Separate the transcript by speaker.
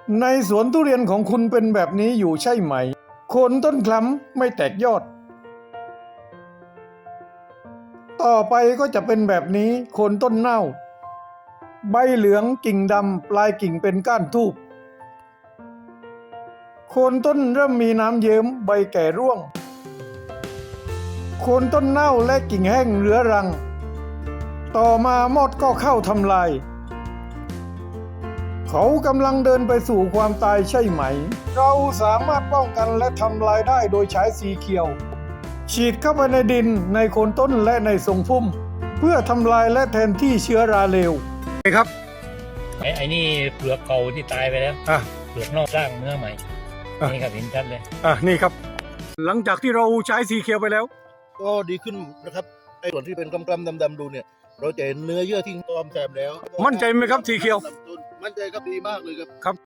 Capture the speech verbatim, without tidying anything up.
Speaker 1: ในสวนทุเรียนของคุณเป็นแบบนี้อยู่ใช่ไหมโคนต้นคล้ำไม่แตกยอดต่อไปก็จะเป็นแบบนี้โคนต้นเน่าใบเหลืองกิ่งดำปลายกิ่งเป็นก้านทูบโคนต้นเริ่มมีน้ำเยิ้มใบแก่ร่วงโคนต้นเน่าและกิ่งแห้งเรื้อรังต่อมามอดก็เข้าทำลายเขากำลังเดินไปสู่ความตายใช่ไหมเราสามารถป้องกันและทำลายได้โดยใช้สีเขียวฉีดเข้าไปในดินในโคนต้นและในทรงพุ่มเพื่อทำลายและแทนที่เชื้อราเลวครับ
Speaker 2: ไอ้ไอ้นี่เปลือกเก่าที่ตายไปแล้ว
Speaker 1: อ่ะ
Speaker 2: เปลือกนอกสร้างเนื้อใหม่
Speaker 1: อ่ะ
Speaker 2: นี่ครับเห็นชัดเลย
Speaker 1: อ่ะนี่ครับ หลังจากที่เราใช้สีเขียวไปแล้ว
Speaker 3: ก็ดีขึ้นนะครับไอ้ส่วนที่เป็นกล้ำๆดำๆดูเนี่ยเราจะเห็นเนื้อเยื่อที่ตอมแซมแล้ว
Speaker 1: มั่นใจไหมครับสีเขียว
Speaker 3: มั่นใจครับดีมากเลยครับ
Speaker 1: ครับ